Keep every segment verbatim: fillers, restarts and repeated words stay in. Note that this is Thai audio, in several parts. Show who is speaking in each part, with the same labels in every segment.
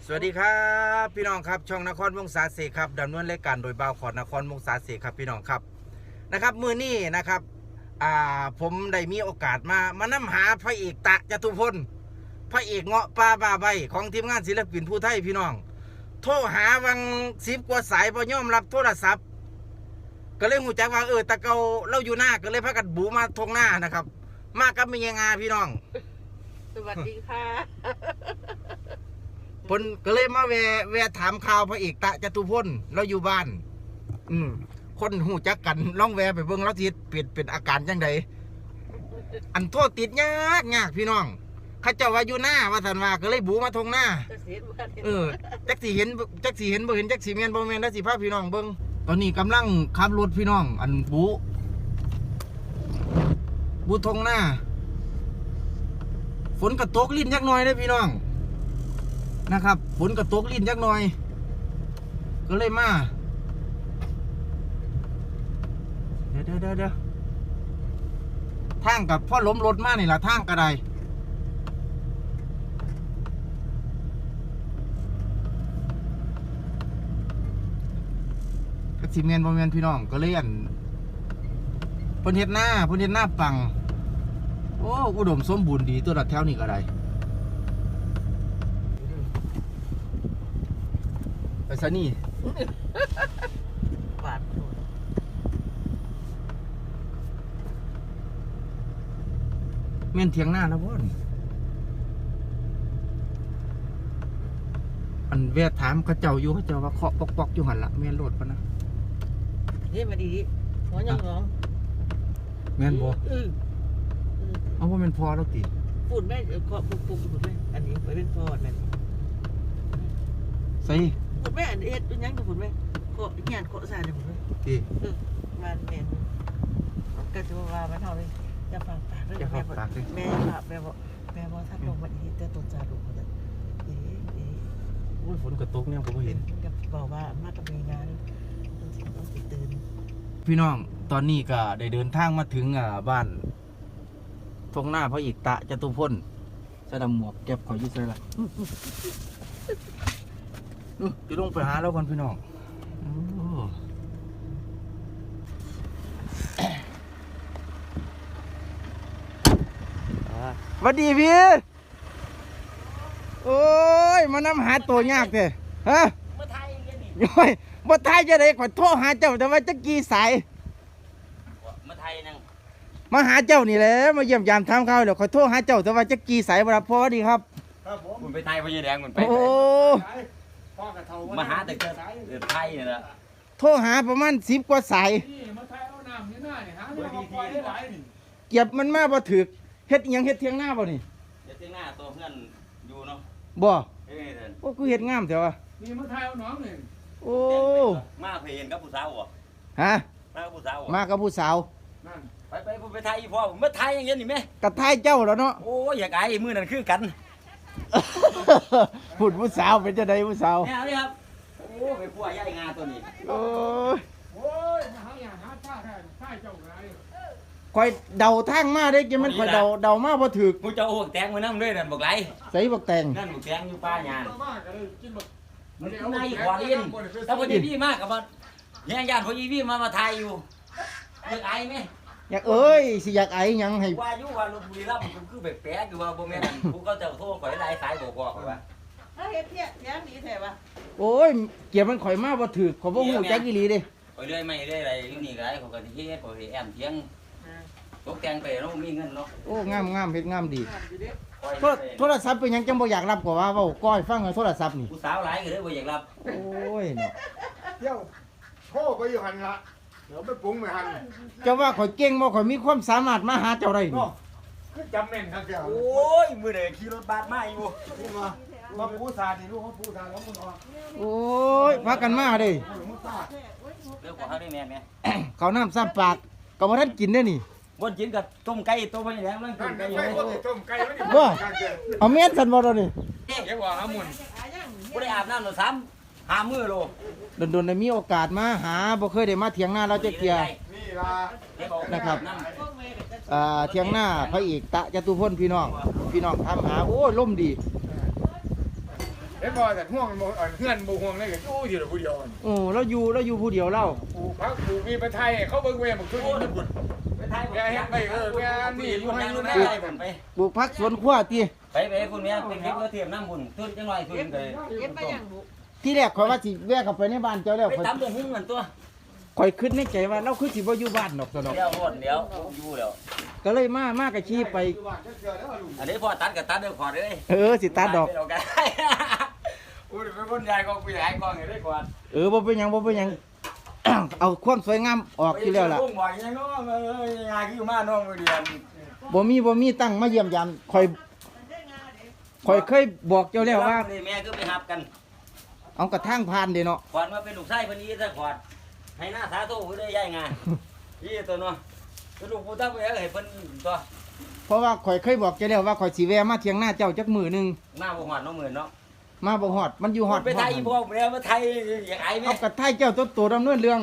Speaker 1: สวัสดีครับพี่น้องครับช่องนครวงศาเสกครับดำเนินรายการโดยบ่าวขอดนครวงศาเสกครับพี่น้องครับนะครับมือนี้นะครับอ่าผมได้มีโอกาสมามานำหาพระเอกตะจตุพลพระเอกเงาะป่าบาใบของทีมงานศิลปินผู้ไทยพี่น้องโทรหาวังสิบกว่าสายพอย่อมรับโทรศัพท์ก็เลยหูจักว่าเออตะเกาเราอยู่หน้าก็เลยพากันบูมาทงหน้านะครับมากับมีงาพี่น้อง
Speaker 2: สวัสดีค่ะ
Speaker 1: พนก็เลยมาแวะแวะถามข่าวพระเอกตะจตุพลเราอยู่บ้านอืมคนหูจักกันล่องแวะไปเบิ่งแล้วทีเปลี่ยนเป็นอาการจังไดอันโทษติดยากยากพี่น้องข้าเจ้าว่าอยู่หน้าว่าสันว่าก็เลยบูมาทงหน้าเออจักสีเห็นจักสีเห็นบ่เห็นจักสีเมียนบ่เมียนแล้วสิพาพี่น้องเบิ่งตอนนี้กำลังขับรถพี่น้องอันบูบูทงหน้าฝนกระตกลิ้นยักหน่อยเลยพี่น้องนะครับฝนกระตกลิ้นยักหน่อยก็เลยมาเดี๋ยวเดี๋ยวเดี๋ยวทางกับพ่อล้มรถมานี่ละทางกระไดกระสิเมียนบอมเมียนพี่น้องก็เลยอันพนเฮ็ดหน้าพนเฮ็ดหน้าปังโอ้อุดมสมบูรณ์ดีตัวดัดแถวนี่กระไดไปซะนี่
Speaker 2: บาด
Speaker 1: เมียนเถียงหน้าแล้วพ่อนอันแวะถามเขาเจ้าอยู่เขาเจ้าว่าเคาะปอกๆอยู่หันละเมียนโหลดปะนะ
Speaker 2: เฮ้ยมาดีดิหัวยังร้อง
Speaker 1: เมียนบ่
Speaker 2: เออ
Speaker 1: เอาว่าเมียนพอแล้วติ
Speaker 2: ฝุ่นแม่เคาะปุ๊บปุ๊บฝุ่นแม่อันนี้ไปเป็นพอนั่น
Speaker 1: ใส่
Speaker 2: ฝุ่นแม่อันเอ็ดเป็นยังกับฝุ่นแม่เคาะงานเคาะสายเลยฝุ่นแม่
Speaker 1: ติ
Speaker 2: เออมันแม่ก็จะว่ามันเท่าเลยจะฟังปากเลยแม่แม่แม่บอกแม่บอกถ้าลงมาอีกจะตกใจลงมาจะเอ๊ะเอ๊ะ
Speaker 1: โอ้ยฝนกระตกเนี่ยผมก็เห็น
Speaker 2: กับบอกว่ามากับมีงานต้องสิต้องติดตื่น
Speaker 1: พี่น้องตอนนี้ก็ได้เดินทางมาถึงอ่าบ้านทงหน้าพระเอกตะจตุพลใส่ดำหมวกเก็บขอยืดใส่ละจะลงไปหาแล้วก่อนพี่น้องสวัสดีพี่โอ้ยมานำหาตัวยากเลยฮะ
Speaker 2: มาไทยยังนี่
Speaker 1: โอ้ยมาไทยจะได้ขอโทษหาเจ้าแต่ว่าจะกี่สาย
Speaker 2: มาไทยนั่ง
Speaker 1: มาหาเจ้านี่แหละมาเยี่ยมยามทำข้าวเดี๋ยวขอโทษหาเจ้าแต่ว่าจะกี่สายบรับพอดีครับ
Speaker 3: ครับผม
Speaker 4: คุณไปไทยพญาแดงคุณไป
Speaker 1: โอ้
Speaker 4: มาหาแต่เกิดไทยนี่แหละ
Speaker 1: โทรหาประมาณสิบกว่าสาย
Speaker 3: มาไทยเอาน้ำนี่หน้านี่หาไม่เอาไปได้หลายนี่
Speaker 1: เก็บมันมาบ่ถึกเฮ็ดยังเฮ็ดเทียงหน้าบ่นี่
Speaker 4: เฮ็ดเทียงหน้าตัวเพื่อนอยู่เนาะ
Speaker 1: บ่
Speaker 4: เอ้ย
Speaker 1: โอ้กูเฮ็ดงามแต่ว่า
Speaker 3: นี่มาไทยเอาน้องนี่
Speaker 1: โอ้
Speaker 4: มาเพลนกับผู้สาวบ่
Speaker 1: ฮะ
Speaker 4: มากับผู้สาว
Speaker 1: มากับผู้สาว
Speaker 3: นั่น
Speaker 4: ไปไปไปไทยพ่อมาไทยอย่างเงี้ยนี่แม่
Speaker 1: กระไทยเจ้าแล้วเนาะ
Speaker 4: โอ้ยอยากไอ้มือนั่นคือกัน
Speaker 1: พูดผู้สาวเป็นจังได๋ผู้สาว
Speaker 4: เนี่ยนี่ครับโอ้ไปพัวใหญ่งาตัวนี้
Speaker 1: โอ้ย
Speaker 3: โอ้ยมาหาอย่างหาท่าแท้ท่าเจ้าไง
Speaker 1: คอยเดาทางมาได้กินมันคอยเดาเดามาบ่ถึก
Speaker 4: กูจะโอ้แตงมานํด้วยนั่นบอกไร
Speaker 1: ใส่บักแตง
Speaker 4: นั่นบักแตงอยู่ป่าหญ้ามันในขอเรียนถ้าพอดีพี่มากกับมันแย่งญาติพอดีพี่มามาไทยอยู่อยากไอ้ไหม
Speaker 1: อยากเอ้ยสิอยากไอ้ยังให้
Speaker 4: ว่าอยู่ว่าลพบุรีรับมันคือแปลกๆอยู่ว่าบ่แม่นกูก็จะโทรข่อยหลายสายบอกบอกว่า
Speaker 2: เฮ้ยเที่ยเที่ยดีแท้ป่ะ
Speaker 1: โอ้ยเกี่ยวมันข่อยมาบ่ถึกขอบ่ฮู้จักอีหลีเด้
Speaker 4: ข่อยเรื่อยไม่เรื่อยอะไรอยู่นี่ก็ได้ข่อยก็สิเฮ็ดข่อยสิแอมเถียงตกแต่งไปเนาะมีเงินเนาะ
Speaker 1: โอ้งามๆเฮ็ดงามดีโทรศัพท์เป็นหยังจังบ่อยากรับกว่าว่าเว้าก้อยฟังโทรศัพท์นี่
Speaker 4: ผู้สาวหลายก็เลยบ่อยากรับ
Speaker 1: โอ้ยเนาะ
Speaker 3: เดี๋ยวโทรไปอยู่หั่นล่ะเดี๋ยวไปปรุงไปหั่น
Speaker 1: เจ้าว่าข่อยเก่งบ่ข่อยมีความสามารถมาหาเจ้าได้นี่
Speaker 3: คือจำแม่นครับเจ้า
Speaker 4: โอ้ยมื้อใดขี่รถบัสมาอยู่
Speaker 3: นี่มามาผู้สานี่ลูกเขาผู้สาแล้วมึงออก
Speaker 1: โอ้ยพากันมาเด้
Speaker 4: เรื่องของเฮาได้แม่นแม่
Speaker 1: เขาน้ำซ้ำปากก็บ่ทันกินเด้นี่
Speaker 4: บ่กินกับต้มไก่ต้มอะไรนั่นต้มไก่อยู่
Speaker 3: ต้มไก่
Speaker 1: บ่เอาแม่นซั่นบ่ดอกนี่
Speaker 3: เก็บว่าหามุ่น
Speaker 4: บ่ได้อาบน้ำเนาะซ้ำหามื้อโล
Speaker 1: โดนๆได้มีโอกาสมาหาบ่เคยได้มาเถียงหน้าเราจักเที่ย
Speaker 3: นี่ล่ะ
Speaker 1: นะครับอ่าเถียงหน้าพระเอกตะจตุพลพี่น้องพี่น้องถามหาโอ้ยลมดี
Speaker 3: เห็นบ่แต่ห่วงบ่อ่อนเพื่อนบ่ห่วงเลยก็อยู่อยู่ผู้เดียว
Speaker 1: โอ้เราอยู่เราอยู่ผู้เดียวเรา
Speaker 3: ปลูกพักปลูกมีไปไทยเขาเบิ่งเว้ยบักทุนญี่ปุ่น
Speaker 4: ไปไทย
Speaker 3: แกเฮ็ดไปเออแกนี่อยู่ให้อยู่
Speaker 4: ไป
Speaker 3: นะ
Speaker 4: ไทยผมไป
Speaker 1: ปลูกผักสวนครัวติ
Speaker 4: ไปไปคุณแม่เป็นเด็กเพื่อเทียมน้ำบุญทุนจังหน่อยทุนเลย
Speaker 2: เย็บไปอย่างบุ
Speaker 1: ที่แรกข่อยว่าสิแวะเข้าไปในบ้านเจ้าแล้ว
Speaker 4: ไป
Speaker 1: ข่อย
Speaker 4: ตำตัวหุ้งกันตัว
Speaker 1: ข่อยคิดในใจว่าเราคือสิบ่อยู่บ้านดอกซะดอก
Speaker 4: เดี๋ยวหมดเดี๋ยวอยู่แล้ว
Speaker 1: ก็เลยมามาก็ขี่ไป
Speaker 4: อันนี้พอตัดกับตัดเดี๋ยวขอเลย
Speaker 1: เออสิตัดดอก
Speaker 4: อุ้ยเป็นคนใหญ่ก็ผู้ใหญ่กองอย่างได้ก่อน
Speaker 1: เออบ่เป็นหยังบ่เป็นหยัง เอาความสวยงามออกที่แล้วล่ะ
Speaker 4: ลุงบอกยังน้องเอ้ยงานคือมาน้องเรียน
Speaker 1: บ่มีบ่มีตั้งมาเยี่ยมยามข่อยข่อยเคยบอกเจ้าแล้วว่า
Speaker 4: แม่ก็ไปหับกัน
Speaker 1: เอากระทั่งผ่านเด้เนาะ
Speaker 4: ขวัญมาเป็นลูกชายคนนี้ซะขวัญให้หน้าสาธุผู้ได้ย้ายงานยี่ตัวเนาะลูกผู้ตั้งไปให้เพิ่นตัว
Speaker 1: เพราะว่าข่อยเคยบอกเจ้าแล้วว่าข่อยสิแวะมาเที่ยงหน้าเจ้าจักมื้อหนึง
Speaker 4: หน้าบ่หอดน้องหมื่นเนาะ
Speaker 1: มาบ่ฮอดมันอยู่ฮอด
Speaker 4: ไปไทยพ่อแล้วมาไทยอย่างไอ้แม่
Speaker 1: เอากระไทยเจ้าตัวโตดำเนินเรื่อง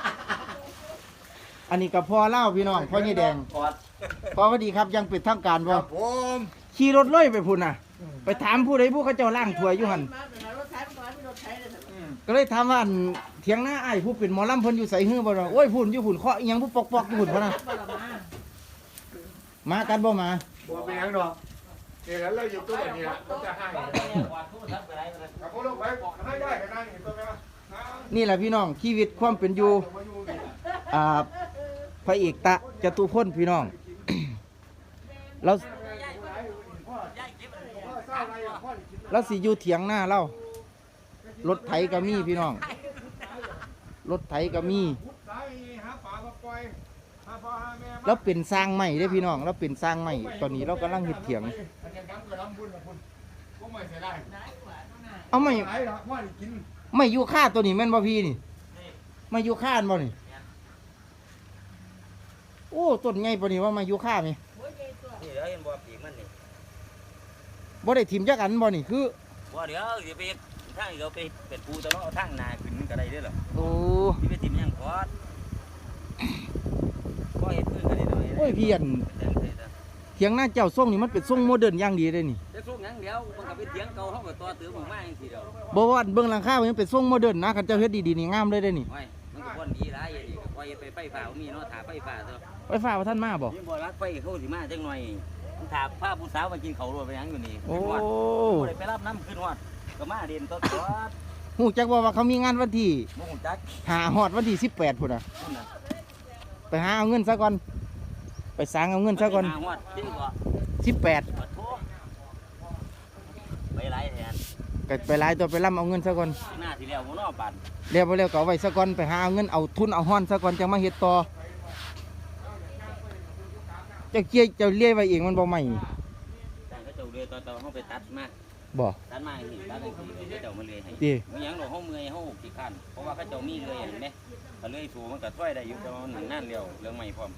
Speaker 1: อันนี้ก็พอเล่าพี่น้องพ่อนี่แดง
Speaker 4: ขวัญ
Speaker 1: พอพอดีครับยังเป็นทางการ
Speaker 3: ค
Speaker 1: บ่
Speaker 3: รับผม
Speaker 1: ขี่รถเลยไปพุ่นน่ะ ไปถามผู้ใดผู้เขาเจ้าล่างถ้วยอยู่หั่น
Speaker 2: มาเป็นรถไถมันมีรถไถเลย
Speaker 1: ก็เลยถามว่าอันเถียงหน้าอ้ายผู้เป็นหมอลำเพิ่นอยู่ไสฮื้อบ่ล่ะโอ้ยพุ่นอยู่พุ่นเคาะอีหยังผู้ปอกๆอยู่พุ่นพุ่นน่ะ
Speaker 2: บ่ละมา
Speaker 1: มากันบ่มา
Speaker 3: บ่เป็นหยังดอกเดี๋ยวเราอยู่ตัวนี้ล่ะก็จะให้
Speaker 4: ขวัญทุกทับไปไร
Speaker 3: กับพวกลูกไปบอกให้ได้กันนั่งอยู่ตัวแม่ว่า
Speaker 1: นี่แหละพี่น้องชีวิตความเป็นอยู่
Speaker 3: มาอยู่นี่
Speaker 1: อ่าพระเอกตะจตุพลพี่น้อง เราเราสิอยู่เถียงหน้าเรารถไถก็มีพี่น้อง รถไถก็มี
Speaker 3: สายหาปลามาปล่อยหาพ่อหาแม่มา
Speaker 1: แล้วเป็นสร้างใหม่เด้อพี่น้องเราเป็นสร้างใหม่ตอนนี้เรากำลังเฮ็ดเถียง
Speaker 3: อันนี้น้ำกับน้ำบุญนะคุณพวกไม่เสียได้
Speaker 1: เอาไม่
Speaker 3: ไหนหรอว่ากิน
Speaker 1: ไม่อยู่ค่าตัวนี้แม่นบ่พี่นี่ไม่อยู่ค่าอันบ่นี่โอ้ต้นใหญ่ปานนี้ว่ามาอยู่ค่าไหม
Speaker 4: นี่เดี๋ยวเห็นบ่ปีกมันนี่
Speaker 1: บ่ได้ถิ่มจักอันบ่นี่คือ
Speaker 4: ว่าเดี๋ยวเดี๋ยวไปทางเดี๋ยวไปเป็นปูตะเนาะทางนาขึ้นก็ได้เด้อหรอ
Speaker 1: โอ้
Speaker 4: ที่ไปติมยังขอดก็เห็นขึ้นกันได้หน่อย
Speaker 1: โอ้ยพี่อันเถียงหน้าเจ้าทรงนี่มันเป็นทรงโมเดิร์นอย่างดีเลยนี่
Speaker 4: จะสู้ยังเดี๋ยวมันก็ไปเถียงเก่าเขาก็ตัวตื้อหมู่มาจังซี่เดียว
Speaker 1: บ่ว่าเบิ่งหลังคามันเป็นทรงโมเดิร์นนะคันเจ้าเฮ็ดดีๆนี่งามเลยเด้อนี่
Speaker 4: โอ้ยมันก็บ่นดีหลายอย่างนี้ก็ปล่อยไปไฟฟ้าบ่มีเนาะถาไฟฟ้าเถอะ
Speaker 1: ไฟฟ้าว่าท่านมาบ่
Speaker 4: ยิ่งบ่รักไฟเขาสิมาจังหน่อยมันถาพาผู้สาวมากินข้าวรวไปหยังอยู่นี่
Speaker 1: โอ้
Speaker 4: บ่ได้ไปรับน้ำขึ้นฮอดก็มาเด่นตัวตัว
Speaker 1: ฮู้จักบ่ว่าเขามีงานวันที่
Speaker 4: บ่ฮู้จัก
Speaker 1: หาฮอดวันที่สิบแปดพุ่นน่ะ
Speaker 4: พุ่นน่ะ
Speaker 1: ไปหาเอาเงินซะก่อนไปสร้างเอาเงินซะก่อน
Speaker 4: ไปหาฮอดจริงบ่
Speaker 1: สิบแปด
Speaker 4: ขอโทษไปหลายแทน
Speaker 1: ก็ไปหลายตัวไปล่ำเอาเงินซะก่อน
Speaker 4: หน้าที่แล้วบ่เนาะบัด
Speaker 1: แล้วบ่แล้วก็เอาไว้ซะก่อนไปหาเอาเงินเอาทุนเอาฮ้อนซะก่อนจังมาเฮ็ดต่อเจ้าเกี้ยเจ้าเลี้ยไว้เองมันบ่ใหม่
Speaker 4: แต่เขาเจ้าเรือต่อต่อเฮาไปตัดมา
Speaker 1: บ่
Speaker 4: ตัดมาให้ตัดให้เขาเจ้ามาเลยให้
Speaker 1: ติ
Speaker 4: มันหยังดอกเฮาเมื่อยเฮาขี้คร้านเพราะว่าเขาเจ้ามีเลยเห็นไหมถ้าเลยสูงมันก็ช่วยได้อยู่แต่ว่ามันนั่นเร็วเรื่องใหม่พร้อม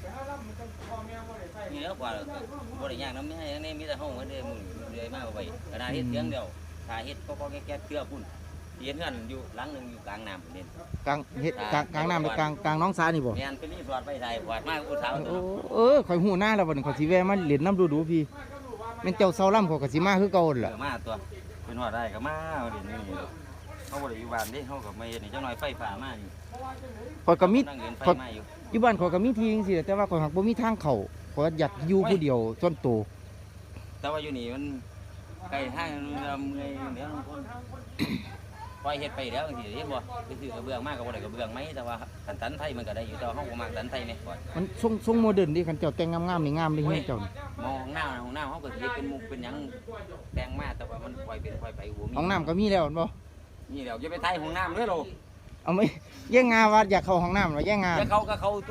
Speaker 4: นี่แล้วกว่าบ่ได้ยากนำแม่ยังนี่มีแต่เฮาเหมือนเดิมมือเรื่อยมาไว้ขนาดเฮ็ดเสียงเดียวถ้าเฮ็ดก็ก็แก๊กๆเชื่อพุ่นเฮ็ดเงินอยู่หลังนึงอยู่กลางน้ำเด่น
Speaker 1: กลางเฮ็ดกลางกลางน้ำหรือกลางกลางหน้องสานี่บ่
Speaker 4: แม่นเป็นรีสอร์ทไปได้หวาดมากอุตสาห
Speaker 1: โอ้
Speaker 4: ตัว
Speaker 1: เออข่อยหูหน้าแล้วบัดนี้ข่อยสิแวะมาเล่นน้ำดูๆพี่แม่นเจ้าเซาล่ำข่อยก็สิมาคือเก่าหั่น
Speaker 4: เอ
Speaker 1: ล่ะ
Speaker 4: อมาตัวเป็นหอดได้ก็มาเด่นนี่เฮาบ่ได้อยู่บ้านเด้เฮาก็มาเฮ็ดนี่จังหน่อยไฟฟ้ามาอยู่
Speaker 1: ข่อยก็มี
Speaker 4: นั่งเดินไฟ
Speaker 1: ข่อย
Speaker 4: มาอยู่
Speaker 1: อยู่บ้านข่อยก็มีที่จังซี่แหละแต่ว่าข่อยหักบ่มีทางเข้าข่อยอยากอยู่ผู้เดียวส่วนตัว
Speaker 4: แต่ว่าอยู่นี่มันไกลทางเมื่อยเดี๋ยวคนปล่อยเฮ็ดไปแล้วสิเฮ็ดบ่ไปซื้อกระเบื้องมากก็บ่ได้กระเบื้องไหมแต่ว่าคันตันไทยมันก็ได้อยู่แต่ว่าเฮาบ่มักตันไทยแม่ก่อน
Speaker 1: มันทรงทรงโมเดิร์นดิคันเจ้าแต่งงามๆนี่งามเลยเฮ็ดเจ้านี่
Speaker 4: มองหน้าห้องน้ำเฮาก็สิเฮ็ดเป็นมุกเป็นหยังแต่งมาแต่ว่ามันปล่อยเป็นปล่อยไปบ่มี
Speaker 1: ห้องน้ำก็มีแล้วแม่นบ่
Speaker 4: นี่แล้วอย่าไปไทยห้องน้ำเด้อโล
Speaker 1: เอาไหมแย่งงาว่าอยากเข้าห้องน้ำเหรอแย่งงา
Speaker 4: อย่าเข้าก็เข้าตัว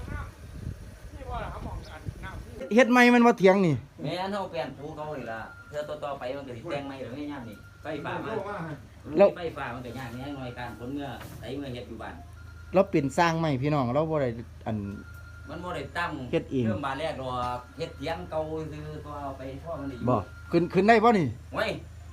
Speaker 1: เฮ็ดใหม่มันบ่เถียงนี่
Speaker 4: แม่นเฮาเปลี่ยนภูเขานี่ล่ะเทื่อต่อๆไปมันก็สิแต่งใหม่แล้วไม่ยามนี่ไฟฟ้ามาไฟฟ้ามันก็ยากแน่หน่อยการผลเมื่อไสเมื่อเฮ็ดอยู่บ้าน
Speaker 1: เราเป็นสร้างใหม่พี่น้องเราบ่ได้อัน
Speaker 4: มันบ่ได้ตั้ง
Speaker 1: เฮ็ดเอง
Speaker 4: เริ่มบานแรกดอกเฮ็ดเถียงเก่าซื่อตัวเอาไปพ่อมันได้อยู่
Speaker 1: บ่ขึ้นขึ้นได้บ่นี่
Speaker 4: เว้ย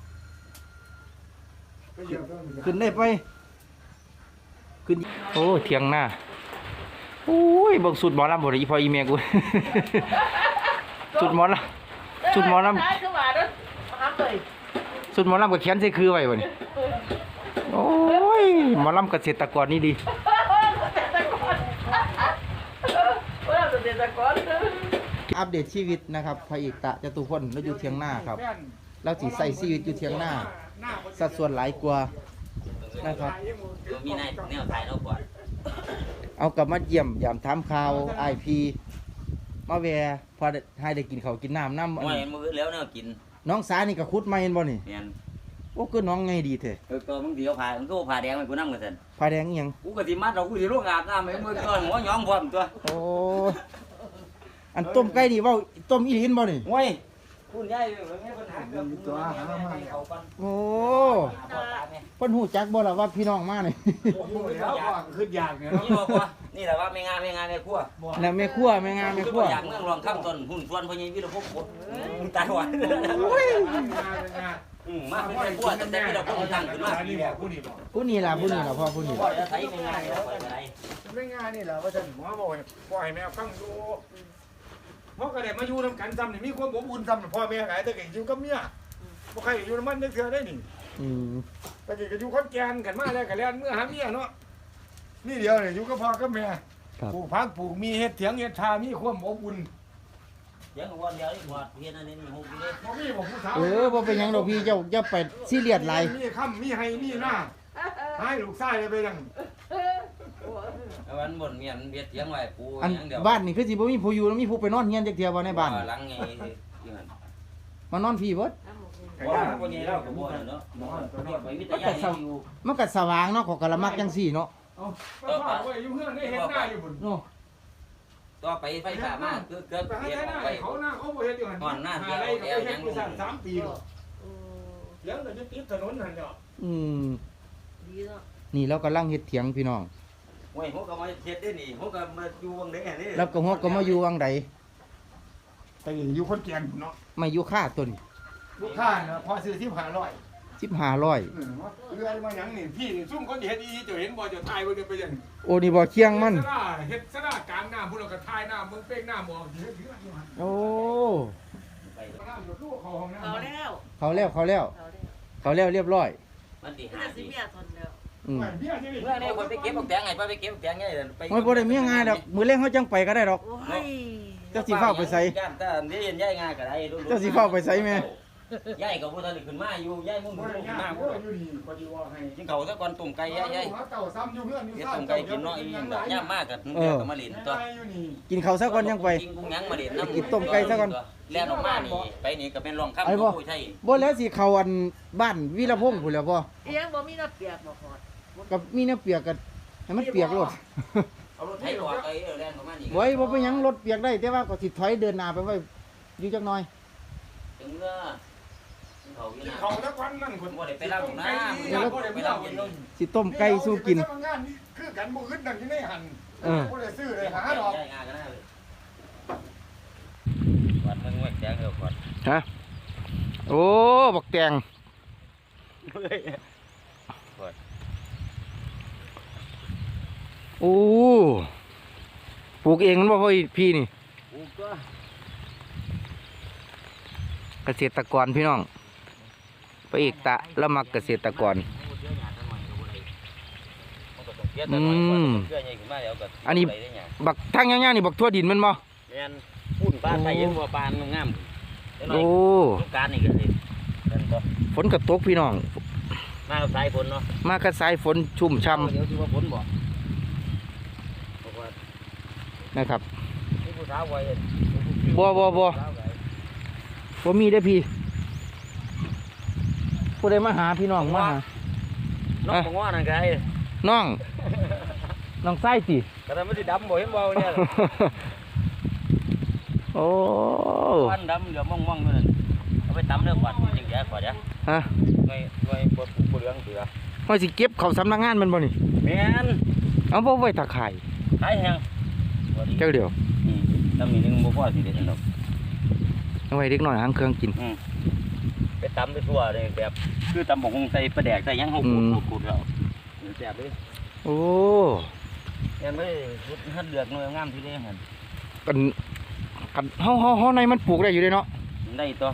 Speaker 1: ขึ้นได้ไปขึ้นโอ้เถียงหน้าโอ้ยเบิ่งสุดหมอลำบ่ได้อีพ่ออีแม่กู สุดหมอลำสุดหมอลำ
Speaker 2: ได้คือว่าเด้อมาหาเลย
Speaker 1: สุดหมอลำกับเขียนใส่คือไว้บ่นี่โอ้ยหมอลำเกษตรกรนี่ดี อัปเดตชีวิตนะครับพระเอกตะจตุพลแล้วอยู่เทียงหน้าครับแล้วสิใส่ชีวิตอยู่เทียงหน้าสัดส่วนหลายกว่านะครับ
Speaker 4: มีในแนวถ่ายเราก่อน
Speaker 1: เอากลับมาเยี่ยมยามถามข่าวไอพีมาแวร์พอได้ให้ได้กินข้าวกินน้ำน้ำ
Speaker 4: มวยมือแล้วเนี่ยกิน
Speaker 1: น้องสานี่ก็คุดมาเห็นบ่นี่
Speaker 4: แม่น
Speaker 1: โอ้คือน้องไงดีแท้
Speaker 4: เออก็มึงเดียวผ่ามึงก็ผ่าแดงไปกูนั่งกันซั่น
Speaker 1: ผ้าแดงอีหยัง
Speaker 4: กูก็สิมัดเรากูสิลงอาบน้ำให้มือก่อนหัวหยองพร้อมตัว
Speaker 1: โอ้อันต้มไก่นี่เว้าต้มอีหลีนบ่นี่
Speaker 4: มวยคุณยายมันมีปัญหาเรื่องตัวหามาให้เขาก่อน
Speaker 1: โอ้เพิ่นฮู้จักบ่ล่ะว่าพี่น้องมานี่
Speaker 3: โอ้โหแล้วก็ขึ้นยากเนี่ย
Speaker 4: นี่บอกว่านี่แหละว่าไม่งานไม่งานไม่ครัว
Speaker 1: แล้วแม่ครัวแม่งามแม่ครัว
Speaker 4: อยากเมืองรองข้ามต้นหุ่นส่วนพญาวิรพกดตายหวานอืมมาเป็นครัวแต่แต่วิรพกตั้งขึ้นมา
Speaker 3: นี่บอกผู้นี่บอก
Speaker 1: ผู้นี้ล่ะผู้นี้ล่ะพ่อผู้นี้
Speaker 4: พ่อจะใช้ไม่งานแล้วไปไหน
Speaker 3: ไม่ง่ายนี่แหละว่าฉันหมอบอกให้ปล่อยแม่ฟังดูเพราะก็ได้มาอยู่นำกันซ้ำนี่มีความอบอุ่นซ้ำพ่อแม่ไงแต่ก็อยู่กับเมียบ่ใครอยู่น้ำมันนึกเถื่อได้นี่
Speaker 1: อืม
Speaker 3: แต่ก็อยู่คนแก่นกันมาแล้วก็แล้วเมื่อหาเมียเนาะนี่เดียวเนี่ยอยู่กับพ่อกับแม่
Speaker 1: ครับ
Speaker 3: ปลูกพักปลูกมีเฮ็ดเถียงเฮ็ดทามีความอบอุ่น
Speaker 4: เดี๋ยววันเดียวนี่หมดเพียนอันนี้มีหกปีเลย
Speaker 3: บ่มีบ่ผู้สาว
Speaker 1: เออบ่เป็นหยังดอกพี่เจ้าอย่าไปซีเรียสหลาย
Speaker 3: มีค่ำมีให้มีหน้าให้ลูกชายไปยัง
Speaker 4: วันบนเมียนเบียดเสียงไว้ปู
Speaker 1: อัน
Speaker 4: อย่างเดียว
Speaker 1: บ้านนี่คือสิบ่มีผู้อยู่แล้วมีผู้ไปนอนเฮียนจักเที่ยบ่ในบ้าน
Speaker 4: หลังไงที่มัน
Speaker 1: มานอนพี่เบิด
Speaker 4: ว่าคนนี้เราก็บ่เนาะเรียกไปวิทยาอยู่
Speaker 1: มันก็สว่างเนาะเขอกะละมักจังซี่เนาะ
Speaker 3: เอาก็พ่อไว้อยู่เพื่อนได้เฮ็ดหน้าอยู่บุญ
Speaker 1: เนาะ
Speaker 4: ต่อไปไฟฟ้ามาคือเกิด
Speaker 3: ไปหา
Speaker 4: เปลี่ยน
Speaker 3: หน้า
Speaker 4: ไป
Speaker 3: เขาหน้าเขาบ่เฮ็ดอยู่หั่น
Speaker 4: ก่อนหน้า
Speaker 3: หา
Speaker 4: เดียว
Speaker 3: อะไรก็
Speaker 4: เดียว
Speaker 3: ไปเฮ็
Speaker 4: ยั
Speaker 3: ด
Speaker 4: ง
Speaker 3: อยู่สั่นสามปีแล้วเถียงก็จะติดถนนหั่นเนาะ
Speaker 1: อืม
Speaker 2: ดีเนาะ
Speaker 1: นี่เรากำลังเฮ็ดเถียงพี่น้อง
Speaker 4: โอ้ยผมก็มาเฮ็ดได้นี่ผมก็มาอยู่วงนี้นี่
Speaker 1: แล้วก็ฮอกก็มาอยู่วังใด
Speaker 3: แต่อยู่คนแก่นเนาะ
Speaker 1: มาอยู่ค่าต้น
Speaker 3: ลูกค้าเนาะพอซื้อสิบห้าร้อย
Speaker 1: สิบห้าร้อย
Speaker 3: เออเรื่อยมาหยังนี่พี่นี่ซุ่มคนที่เฮ็ดอีจะเห็นบ่จะถ่ายบ่ได้ไปยัง
Speaker 1: โอ้นี่บ่เคียงมัน
Speaker 3: สระเฮ็ดสระกลางน้ำพุ่นแล้วก็ถ่ายน้ำมึงเป้งน้ำบ่เฮ็ดเฮือนอยู่หั่น
Speaker 1: โอ้
Speaker 3: น้ำอยู่ตู้เขาห้องน้ำ
Speaker 2: เอาแล้ว
Speaker 1: เขาแล้วเขาแล้ว
Speaker 2: เอาแล้ว
Speaker 1: เขาแล้วเรียบร้อย
Speaker 4: มันดี
Speaker 2: น่า
Speaker 4: หา
Speaker 2: สิ
Speaker 4: ดี
Speaker 2: เมียทนแล้ว
Speaker 1: อืม
Speaker 3: เบี้ยนี่
Speaker 4: เมื่อนี้คนไปเก็บบักแตงไงไปเก็บบักแตงไงไป
Speaker 1: โอ้ยบ่ได้มีง่ายดอกมื้อแลงเฮาจังไปก็ได้ดอก
Speaker 2: โอ้ย
Speaker 1: เจ้าสิเฝ้าไปไส
Speaker 4: ย่านแต่นี่ยันย้ายงานก็ได้
Speaker 1: เจ้าสิเฝ้าไปไสแม่
Speaker 4: ย้ายก็บ่ทันขึ้นมาอยู่ย้ายมุ่ง
Speaker 3: บ่
Speaker 4: มุ่ง
Speaker 3: ได้
Speaker 4: ขึ้น
Speaker 3: ยาก
Speaker 4: มา
Speaker 3: โอ้ยอยู่นี่ก็สิว่าให้
Speaker 4: กินเขาซะก่อนตุ่มไก่ย้ายย้าย
Speaker 3: เต่าซ้ำอยู่เพื่อนอยู่
Speaker 4: เฮ็ด
Speaker 3: ซ่า
Speaker 4: ตุ่มไก่กินเนาะอีย่ามมากกับเดี๋ยวก็มาเล่นตัว
Speaker 3: อยู่นี่
Speaker 1: กินข้าวซะก่อนยังไป
Speaker 4: กินกุ้งยังมาเล่นน้ำ
Speaker 1: กินต้มไก่ซะก่อน
Speaker 4: แล่นออกมานี่ไปนี่ก็เป็นรองคำ
Speaker 1: ไอ้บ่
Speaker 4: ผู้ใช่
Speaker 1: บ่แล้วสิเข้าอันบ้านวีรพงษ์พุ่นแหล้วบ่
Speaker 2: อีหยังบ่มีน้ำเปียกบ่พอด
Speaker 1: กับมีน้ำเปียกกันให้มันเปียกโลด
Speaker 4: เอารถไถออกไปแล่นออกมานี่
Speaker 1: ไว้บ่เป็นหยังรถเปียกได้ แต่ว่าก็สิถอยเดินหน้าไปไว้อยู่จักหน่อย
Speaker 4: ถึงเมื่อเขาอยู่
Speaker 3: กิน
Speaker 4: นะ
Speaker 3: เขาแล้ววันนั้นคน
Speaker 4: บ่ได้ไปรับน้ำ
Speaker 3: เดี๋ยวเราไป
Speaker 4: ไป
Speaker 3: รั
Speaker 4: รั
Speaker 3: บบ กิ
Speaker 4: กิ
Speaker 3: น
Speaker 4: น
Speaker 3: เลย
Speaker 1: สิต้มไก่สู้กิน
Speaker 3: งานนี่คือกันบ่อึดนั่นอยู่ในหัน
Speaker 1: เออ
Speaker 3: บ่ได้ซื้อเลยหาดอก
Speaker 4: ย้ายงานก็ได้เลยวัดมึงไว้แจ้งเถอะก่อน
Speaker 1: ฮะโอ้บักแตงโอ้ปลูกเองมันบ่พ่อพี่นี่
Speaker 4: กูก็
Speaker 1: เกษตรกรพี่น้องพระเอกตะละมักเกษตรกร อืม อันนี้ บักทางย่างๆนี่บักทั่วดินแมันบ่
Speaker 4: แม่นพุ่นปลาไทยยังบ่ปลามันงาม
Speaker 1: โอ้
Speaker 4: ลูกการนี่ก็สินั่นก็
Speaker 1: ฝนกระตกพี่น้อง
Speaker 4: มากับสายฝนเนาะ
Speaker 1: มากระสายฝนชุ่มช่
Speaker 4: เดี๋ยวสิว่าฝนบ่บอกว่า
Speaker 1: ำนะครับ
Speaker 4: มีผู้สาวไว้
Speaker 1: บ่บ่บ่ บ่มีได้อพี่ผู้ใดมาหาพี่น้องมาหา
Speaker 4: น้องบ่ง้อนั่นก็ไอ้
Speaker 1: น้อง น้องไส้ติ
Speaker 4: ก็ได้มันสิดำบ่เห็นบ่เนี่ย
Speaker 1: โอ้
Speaker 4: วันดำเหลือม่วงๆอยู่นั่นเอาไปตำเด้อก่อนจริงแย่ก่อนจ้ะ
Speaker 1: ฮะ
Speaker 4: หน่วยหน่วยบ่บ่เหลืองเสือ
Speaker 1: ว่าสิเก็บเขาสำนักงานแมันบ่นี่
Speaker 4: แม่น
Speaker 1: เอาบ่ไว้ตาข่าย
Speaker 4: ขายแฮงบ่ดี
Speaker 1: เจ้าเดียว
Speaker 4: อืมตำนี้นึงบ่พอสิเด็ดดอก
Speaker 1: เอาไว้เด็กน้อยหางเครื่องกิน
Speaker 4: อืมไปตำไปทั่วเลยแบบคือตำบักหุ่งใส่ปลาแดกใส่หยังเฮาขูด
Speaker 1: อืม
Speaker 4: ขูดๆแล้วแซ่บเลย
Speaker 1: โอ้
Speaker 4: แม่นเลยรุดหัดเลือกหน่วยงามที่ได้หั่น
Speaker 1: กันกันเฮาเฮาเฮาในมันปลูกได้อยู่เด้เนาะ
Speaker 4: ได้ตัว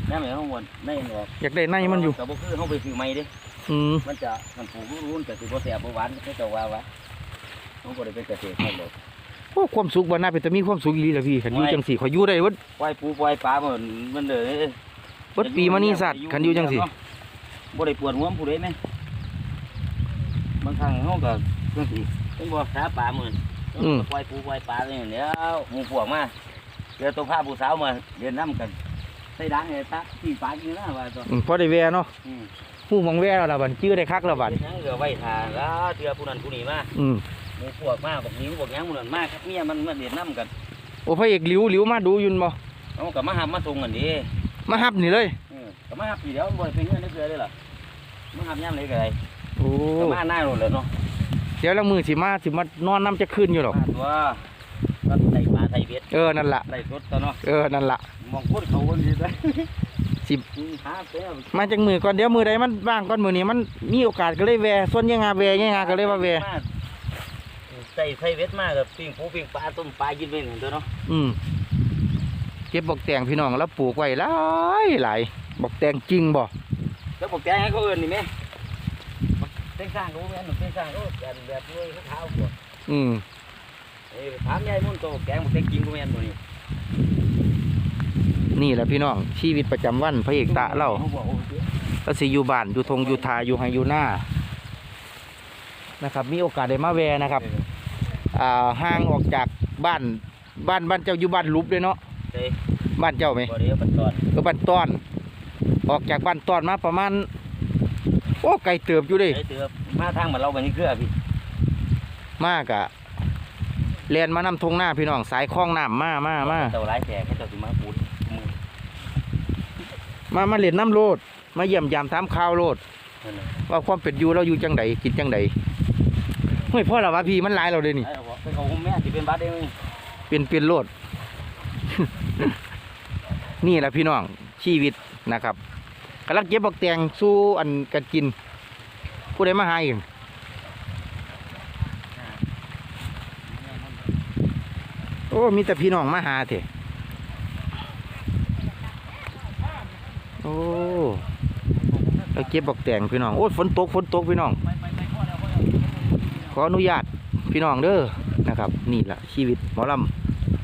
Speaker 4: น้ำเหมือนข้างบนในออก
Speaker 1: อยากได้ในมันอยู่
Speaker 4: แต่บ่คือเขาไปซื้อใหม่เด้
Speaker 1: อืม
Speaker 4: มันจะมันปลูกรุ่นๆแต่สิบ่แซ่บบ่หวานเขาจะว่าว่าเขาบ่ได้เป็นเกษตรเขาหรอก
Speaker 1: โอ้ความสุขบ่น่าเป็นแต่มีความสุขอีหลีล่ะพี่คันอยู่จังซี่ขอยอยู่ได้เบิด
Speaker 4: ปล่อยปูปล่อยปลามันมันเด้อ
Speaker 1: เบิดปีมานี่สัตว์คันอยู่จังซี่
Speaker 4: บ่ได้ปวดหัวผู้ใดแม่บางครั้งเฮาก็จังซี่เพิ่นบ่หาปลามื้อปล่อยปูปล่อยปลานี่แล้วหมู่พวกมาเจอตัวพาผู้สาวมาเดินนํกันใส่ดังให้ตาที่ปลาอยู่นะว่าตัว
Speaker 1: อืมพอได้แวเนาะ
Speaker 4: อืม
Speaker 1: ฮู้หมองแวแล้วล่ะบัดชื่อได้คักแล้วบัด
Speaker 4: เฮ็ดหยังเหลือไว้ทาแล้วเทื่อผู้นั้นผู้นี้มา
Speaker 1: อืม
Speaker 4: หมู่พวกมาบอกนิ้วบอกหยังหมู่นั้นมาครับเมียมันมาเดินนํกัน
Speaker 1: โอ้พระเอกหลิวหลิวมาดูอยุนบ่
Speaker 4: เอาก็มาหับมาส่งกันดิ
Speaker 1: มาฮับนี่เลย
Speaker 4: เออก็มาหับอยู่แล้วบ่ได้เป็นเงินได้เกลือเลยล่ะมาหับยามไหนก็ได้
Speaker 1: โอ้
Speaker 4: ก็มาหน้าโน่นแหล้วเนาะ
Speaker 1: เดี๋ยวละมือสิมาสิมานอนน้ำจะขึ้นอยู่หรอก
Speaker 4: มาตัวก็ใส่ปลาใส่เบ็ด
Speaker 1: เออนั่นล่ะ
Speaker 4: ใส่สดตัวเนาะ
Speaker 1: เออนั่นล่ะ
Speaker 4: มองโคตรเขาคนนี้ได้
Speaker 1: สิ
Speaker 4: หาเสีย
Speaker 1: มาจากมือก่อนเดี๋ยวมือใดมันว่างก่อนมือนี้มันมีโอกาสก็เลยแวส่วนยังงาแวยังงาก็เลยว่าแว
Speaker 4: ใส่ใส่เบ็ดมากับปิ้งปูปิ้งปลาต้มปลากินไปหนึ่งตัวเนาะ
Speaker 1: อืมเก็บบอกแตงพี่น้องแล้วปลูกไว้หลายหลายบอกแตงจริงบ่
Speaker 4: แล้วบอกแกให้เขาเอินนี่ไหมเส้นสร้างรู้ไหมหนุ่มเส้นสร้างรู้แบบแบบด้วยเท้าหัว
Speaker 1: อืม
Speaker 4: ถามยายมุ่นโตแกงบอกแกงกินกูแม่นตัวนี้
Speaker 1: นี่แหละพี่น้องชีวิตประจำวันพระเอกตะเล่าแล้วสิอยู่บ้านอยู่ทงอยู่ทาอยู่ไฮอยู่หน้านะครับ มีโอกาสได้มาแวนะครับอ่าห่างออกจากบ้านบ้านบ้านเจ้าอยู่บ้านลุบเลยเนาะ
Speaker 4: เฮ้ย
Speaker 1: บ้านเจ้าไหม
Speaker 4: บ่ได้ปัดตอน
Speaker 1: เออบ้านต้อน ออกจากบ้านต้อนมาประมาณโอ้ไกลเติบอยู่เดิ
Speaker 4: ไอ้เตือมาทางมันเราไปนี่เกลือพี่
Speaker 1: มากอะเรียนมานำทงหน้าพี่น้องสายคลองน้ำมามามา
Speaker 4: เต่าหลายแสกให้เต่าสิมาปูดมือ
Speaker 1: มามาเรียนน้ำโลด มาเยี่ยมยามถามข่าวโลด
Speaker 4: นั่นแหละ
Speaker 1: ว่าความเป็นอยู่เราอยู่จังใดกินจังใดเฮ้ยพ่อละวะพี่มันหลายเราเลยนี่
Speaker 4: ไอ้บอกไปเขาแม่สิเป็นบัดเอง
Speaker 1: เป็นเป็นโลด นี่แหละพี่น้องชีวิตนะครับกำลังเก็บบักแตงสู้อันกันกิน ผู้ใดมาหาเองโอ้มีแต่พี่น้องมาหาเถอะโอ้แล้วเก็บบักแตงพี่น้องโอ้ฝนตกฝนตกพี่น้อง ขออนุญาตพี่น้องเด้อนะครับ นี่แหละชีวิตหมอลำ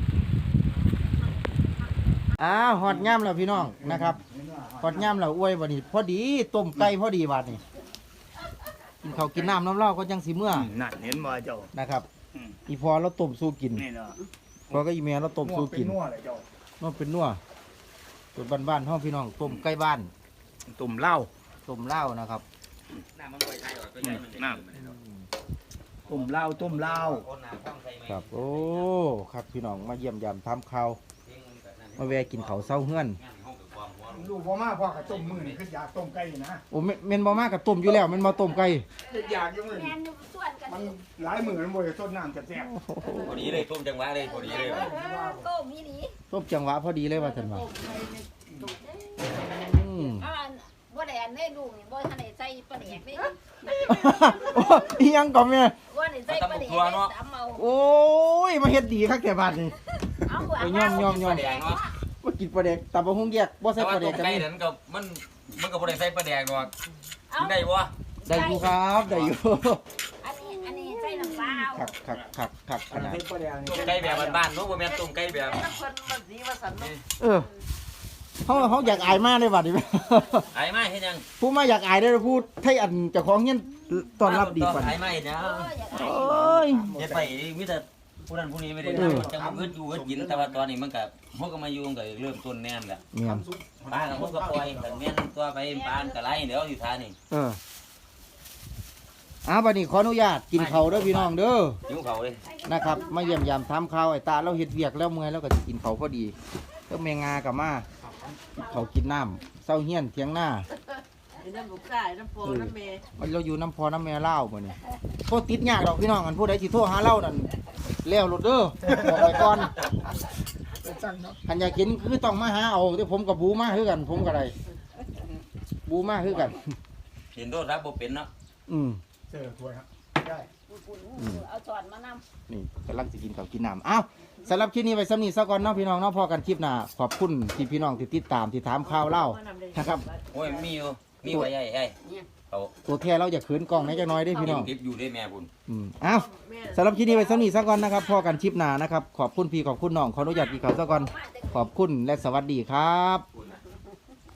Speaker 1: อ้าวหอดย่ำแล้วพี่น้องนะครับหอดย่ำแล้วอวยบ่นี่พอดีต้มไก่พอดีบาดนี่กินข้าวกินน้ำน้ำเหล้าก็ยังสิเมื่อ
Speaker 3: นั่นเห็นบ่เจ้า
Speaker 1: นะครับอีพอเราต้มสู้กิน
Speaker 3: นี่เนาะ
Speaker 1: พอก็อีเมียเราต้มสู้กิน
Speaker 3: นัวเลยเจ้า
Speaker 1: นัวเป็นนัวตัวบ้านๆห้องพี่น้องต้มไก่บ้าน
Speaker 3: ตุ่มเหล้า
Speaker 1: ต้มเหล้านะครับ
Speaker 4: น้ำมันไปใช้ออกก็ยัง
Speaker 3: น้ำตุ่มเหล้าตุ่มเหล้า
Speaker 1: ครับโอ้ครับพี่น้องมาเยี่ยมยามทำข้าวมาแวะกินข้าวเช้าเฮือน
Speaker 3: ลูกพ่อมาพ่อกับต้มมือนี่คืออยากต้มไก่นะ
Speaker 1: โอ้เมเมนบ่มากกับต้มอยู่แล้วแมันมาต้มไก่
Speaker 3: อยากอยู่มือนี่มันหลายมือมันบ่ได้ต้นน้ำจะแซ่บ
Speaker 4: พอดีเลยต้มจังหวะเลยพอดีเลย
Speaker 5: ต้มนี่นี่
Speaker 1: ต้มจังหวะพอดีเลยว่าท่านว่าอืม
Speaker 5: อ่าบ่ได้อันได้ลูกนี่บ่ทันได้ใส่ปลาแดกนี่
Speaker 1: โอ้ยยังก่อนแม่
Speaker 5: บ่ได้ใส่ปลาแดกตำเอา
Speaker 1: โอ้ยมาเฮ็ดดีคักแต่บาดนี่
Speaker 5: เอาหัว
Speaker 1: ไปย่อมย่อมย่อม
Speaker 4: แดงเนาะ
Speaker 1: มากินปลาแดกตับบ่ฮุงแยกบ่ใส่
Speaker 4: แต่
Speaker 1: ป
Speaker 4: ว่า
Speaker 1: ลาแด
Speaker 4: ต้
Speaker 1: ก
Speaker 4: ม
Speaker 1: กัน
Speaker 4: ไก่
Speaker 1: นี่
Speaker 4: นั้นก็มันมันก็บ่ได้ใส่ปลาแดกดอก
Speaker 5: เอา
Speaker 4: กินได้บ่
Speaker 1: ได้อยู่ครับได้อยู่
Speaker 5: อันนี้อันนี้ใส่น้ำปลา
Speaker 1: คักคักคักคักข
Speaker 3: อัน
Speaker 1: นาด
Speaker 3: เป็นปลาแดงนี่
Speaker 4: ต้มไก่แบบบ้านๆเนาะบ่แม่นต้มไก่แบบ
Speaker 2: น้ำเพิ่นมันสีว่าสันเนาะ
Speaker 1: เออเฮาเฮาอยากอายมากเลยบัดนี้
Speaker 4: ไอ้มาเฮ็ดหยัง
Speaker 1: ผู้มาอยากอายได้อพูดให้อันเจ้าของเฮียนต้อนรับดีกว่า
Speaker 4: ไอ้มาเฮ็ดหยัง
Speaker 1: โอ้ย
Speaker 4: เฮ็ดไปมีแต่ผู้นั้นผู้นี้ไม่ได้
Speaker 1: เออ
Speaker 4: จะมาเกิดอยู่เกิดกินแต่ว่าตอนนี้มันก็พวกก็มาอยู่มันก็เริ่มต้นแน่นแหละ
Speaker 1: เมียน
Speaker 4: ปลาก็พวกก็ปล่อยแต่แม่นตัวไปปลาก็ไล่เดี๋ยวอยู่ท่านี่
Speaker 1: เอออ้าวบัดนี้ขออนุญาตกินข้าวเด้อพี่น้องเด้อ
Speaker 4: หิวเขาเลย
Speaker 1: นะครับมาเยี่ยมยามทำข้าวไอ้ตาเราเฮ็ดเวียกแล้วเมื่อยแล้วก็สิกินข้าวพอดีแล้วแมงากับมาเขาวกินน้ำเศร้าเฮียนเทียงหน้า
Speaker 2: ไอ้น้ำลูกชายน้ำโปน้ำเมย์
Speaker 1: มันเราอยู่น้ำพอน้ำแม่เล่าวมื้อนี้โทษติดยากดอกพี่น้องกันผู้ใดสิโทรหาเล่านั่นแล้วรถเด้อบอกไว้ก่อนคันอยากกินคือต้องมาหาเอาที่ผมกับบูมาคือกัน ผมก็ได้บูมาคือกัน
Speaker 4: เห็นโทษรับบ่เป็นเนาะ
Speaker 1: อืม
Speaker 3: เจอถ้วยครับได้
Speaker 5: ปุ่นๆเอาช้อนมานำ
Speaker 1: นี่กำลังจะกินข้าวกินน้ำอ้าวสำหรับคลิปนี้ไปสำนีซะก่อนเนาะพี่น้องเนาะพอกันคลิปหน้าขอบคุณที่พี่น้องที่ติดตามที่ถามข่าวเล่านะครับ
Speaker 4: โอ้ยมีอยู่มีไว้ใหญ่ใหญ่เอา
Speaker 1: ตัวแท้เราอย่าขืนกล้องนะจักหน้อยได้อพี่น้อง
Speaker 4: เก็บอยู่ได้แม่คุณ
Speaker 1: อืมอ้าวสำหรับคลิปนี้ไปสำนีซะก่อนนะครับพอกันคลิปหน้านะครับขอบคุณพี่ขอบคุณน้องขออนุญาตพี่เขาซะก่อนขอบคุณและสวัสดีครับ